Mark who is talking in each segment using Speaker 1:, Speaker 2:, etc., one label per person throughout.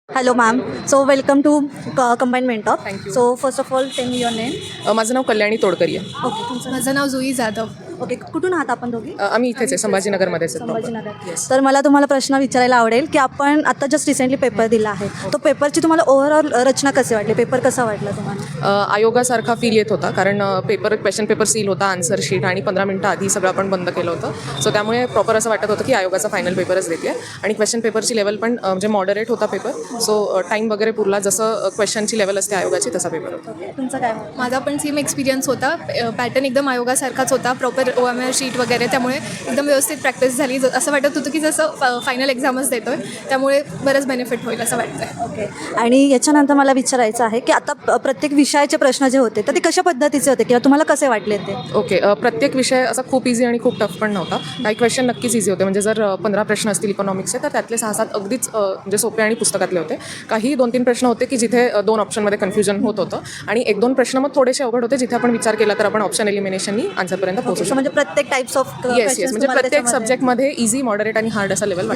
Speaker 1: Hello, ma'am. So, welcome to Combined Mentor.
Speaker 2: Thank you.
Speaker 1: So, first of all, tell me your name.
Speaker 2: माझं नाव कल्याणी तोडकरी आहे.
Speaker 1: Okay, तुमचं
Speaker 3: माझं नाव जुई Jadhav.
Speaker 1: Okay, कुठून आहात आपण दोघी?
Speaker 2: आम्ही इथेच आहे, संभाजीनगरमध्येच आहे proper.
Speaker 1: संभाजीनगर.
Speaker 2: Yes.
Speaker 1: तर मला तुम्हाला प्रश्न विचारायला आवडेल की आपण आता जस्ट रिसेंटली पेपर दिला आहे. तो पेपरची तुम्हाला ओव्हरऑल रचना कशी वाटली? पेपर कसा वाटला तुम्हाला?
Speaker 2: आयोगासारखा फील येत होता, कारण क्वेश्चन पेपर सील होता, आन्सर शीट आणि 15 मिनटं आधी सगळं आपण बंद केलं होतं. सो त्यामुळे प्रॉपर असं वाटत होतं की आयोगाचा फायनल पेपरच देते आणि क्वेश्चन पेपरची लेवल पण म्हणजे मॉडरेट होता पेपर. सो टाईम वगैरे पुरला, जसं क्वेश्चनची लेवल असते आयोगाची तसा पेपर होता.
Speaker 1: तुमचं काय मत?
Speaker 3: माझा पण सेम एक्सपिरियन्स होता. पॅटर्न एकदम आयोगासारखाच होता, प्रॉपर OMR शीट वगैरे, त्यामुळे एकदम व्यवस्थित प्रॅक्टिस झाली. असं वाटत होतं की जसं फायनल एक्झामच देतो आहे, त्यामुळे बरंच बेनिफिट होईल असं वाटतं.
Speaker 1: ओके, आणि याच्यानंतर मला विचारायचं आहे की आता प्रत्येक विषयाचे प्रश्न जे होते तर ते कशा पद्धतीचे होते किंवा तुम्हाला कसे वाटले ते?
Speaker 2: ओके, प्रत्येक विषय असा खूप इझी आणि खूप टफ पण नव्हता. काही क्वेश्चन नक्कीच इझी होते, म्हणजे जर 15 प्रश्न असतील इकॉनॉमिक्सचे तर त्यातले 6-7 अगदीच म्हणजे सोपे आणि पुस्तकातले होते. काही 2-3 प्रश्न होते की जिथे 2 ऑप्शनमध्ये कन्फ्युजन होत होतं आणि 1-2 प्रश्न मग थोडेसे अवघड होते, जिथे आपण विचार केला तर आपण ऑप्शन एलिमिनेशननी आन्सरपर्यंत पोहोचू शकतो.
Speaker 1: म्हणजे प्रत्येक टाइप्स ऑफ
Speaker 2: येस म्हणजे प्रत्येक सब्जेक्टमध्ये इझी, मॉडरेट आणि हार्ड असा लेवल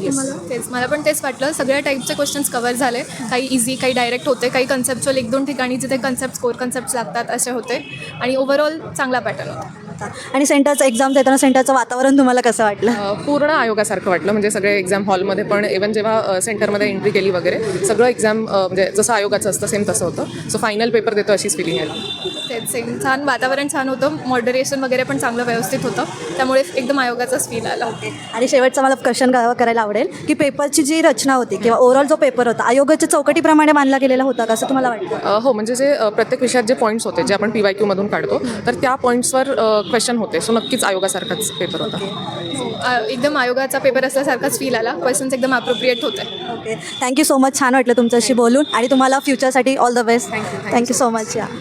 Speaker 3: मला पण तेच वाटलं. सगळ्या टाईपचे क्वेश्चन्स कव्हर झाले. काही इझी, काही डायरेक्ट होते, काही कन्सेप्च्युअल 1-2 ठिकाणी जिथे कन्सेप्ट कोर कन्सेप्ट लागतात असे होते आणि ओव्हरऑल चांगला पॅटर्न होता.
Speaker 1: आणि सेंटरचं एक्झाम देताना सेंटरचं वातावरण तुम्हाला कसं वाटलं?
Speaker 2: पूर्ण आयोगासारखं वाटलं, म्हणजे सगळे एक्झाम हॉलमध्ये पण इव्हन जेव्हा सेंटरमध्ये एंट्री केली वगैरे सगळं एक्झाम म्हणजे जसं आयोगाचं असतं सेम तसं होतं. सो फायनल पेपर देतो अशीच फिलिंग आहे.
Speaker 3: तेच सेम, छान वातावरण, छान होतं, मॉडरेशन वगैरे पण चांगलं व्यवस्थित होतं, त्यामुळे एकदम आयोगाचाच फील आला.
Speaker 1: आणि शेवटचा मला क्वेश्चन करायला आवडेल की पेपरची जी रचना होती किंवा ओव्हरऑल जो पेपर होता आयोगाच्या चौकटीप्रमाणे मानला गेलेला होता का, असं तुम्हाला वाटतं?
Speaker 2: हो, म्हणजे जे प्रत्येक विषयात जे पॉईंट्स होते जे आपण PYQ मधून काढतो तर त्या पॉईंट्सवर क्वेश्चन होते. सो नक्कीच आयोगासारखाच पेपर होता.
Speaker 3: एकदम आयोगाचा पेपर असल्यासारखाच फील आला. क्वेश्चन्स एकदम अप्रोप्रिएट होते.
Speaker 1: Okay, thank you so much. छान वाटलं तुमच्याशी बोलून आणि तुम्हाला फ्युचरसाठी all the best. Thank you so much. या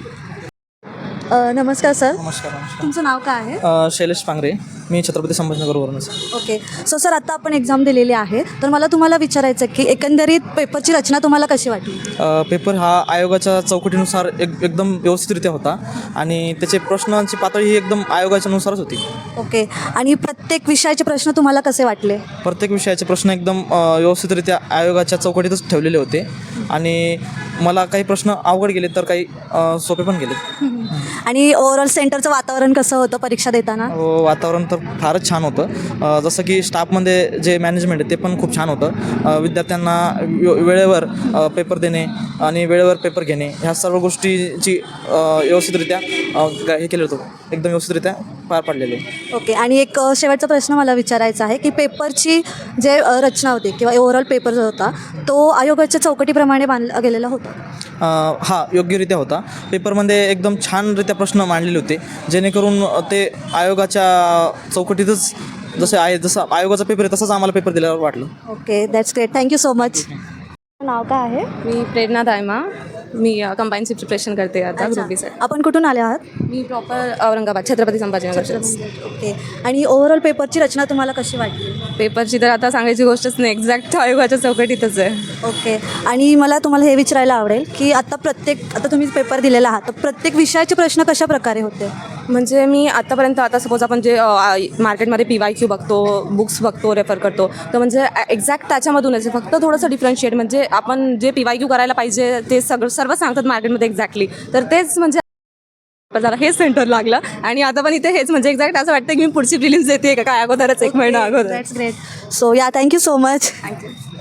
Speaker 1: नमस्कार सर.
Speaker 4: नमस्कार.
Speaker 1: तुमचं नाव काय आहे?
Speaker 4: शैलेश पांगरे, मी छत्रपती संभाजीनगरवरूनच.
Speaker 1: ओके, सो सर आता आपण एक्झाम दिलेली आहे तर मला तुम्हाला विचारायचं की एकंदरीत पेपरची रचना तुम्हाला कशी वाटली?
Speaker 4: पेपर हा आयोगाच्या चौकटीनुसार एकदम व्यवस्थितरित्या होता आणि त्याचे प्रश्नांची पातळी ही एकदम आयोगाच्या नुसारच होती.
Speaker 1: ओके, आणि प्रत्येक विषयाचे प्रश्न तुम्हाला कसे वाटले?
Speaker 4: प्रत्येक विषयाचे प्रश्न एकदम व्यवस्थितरित्या आयोगाच्या चौकटीतच ठेवलेले होते आणि मला काही प्रश्न अवघड गेले तर काही सोपे पण गेले.
Speaker 1: आणि ओव्हरऑल सेंटरचं वातावरण कसं होतं परीक्षा देताना?
Speaker 4: वातावरण तर फारच छान होतं. जसं की स्टाफमध्ये जे मॅनेजमेंट आहे ते पण खूप छान होतं. विद्यार्थ्यांना वेळेवर पेपर देणे आणि वेळेवर पेपर घेणे ह्या सर्व गोष्टीची व्यवस्थितरित्या हे केलं होतं, एकदम व्यवस्थितरित्या पार पाडलेले.
Speaker 1: ओके, आणि एक शेवटचा प्रश्न मला विचारायचा आहे की पेपरची जे रचना होती किंवा ओव्हरऑल पेपर जो होता तो आयोगाच्या चौकटीप्रमाणे बांधला गेलेला होता?
Speaker 4: हा, योग्यरित्या होता. पेपरमध्ये एकदम छानरित्या प्रश्न मांडलेले होते, जेणेकरून ते आयोगाच्या चौकटीतच जसं आयोगाचा पेपर आहे तसंच आम्हाला पेपर दिल्यावर वाटलं.
Speaker 1: Okay, that's great. Thank you so much. नाव काय आहे?
Speaker 5: मी प्रेरणा दायमा. मी कंबाईनची प्रिपरेशन करते आता ग्रुप बी साठी.
Speaker 1: आपण कुठून आले आहात?
Speaker 5: मी प्रॉपर औरंगाबाद छत्रपती संभाजीनगरचेच.
Speaker 1: ओके, आणि ओव्हरऑल पेपरची रचना तुम्हाला कशी वाटली?
Speaker 5: पेपरची तर आता सांगायची गोष्टच नाही, एक्झॅक्ट आयोगाच्या चौकटीतच आहे.
Speaker 1: ओके, आणि मला तुम्हाला हे विचारायला आवडेल की आता तुम्ही पेपर दिलेला आहात तर प्रत्येक विषयाचे प्रश्न कशा प्रकारे होते?
Speaker 5: म्हणजे मी आतापर्यंत आता सपोज आपण जे मार्केटमध्ये PYQ बघतो, बुक्स बघतो, रेफर करतो, तर म्हणजे एक्झॅक्ट त्याच्यामधूनच फक्त थोडंसं डिफरन्शिएट, म्हणजे आपण जे PYQ करायला पाहिजे ते सर्व सांगतात मार्केटमध्ये एक्झॅक्टली, तर तेच म्हणजे जरा हेच सेंटर लागलं आणि आता पण इथे हेच म्हणजे एक्झॅक्ट असं वाटतं की मी पुढची प्रिलिम्स देते का काय अगोदरच 1 महिना अगोदर.
Speaker 1: That's great. So yeah, thank you so much.
Speaker 5: Thank you.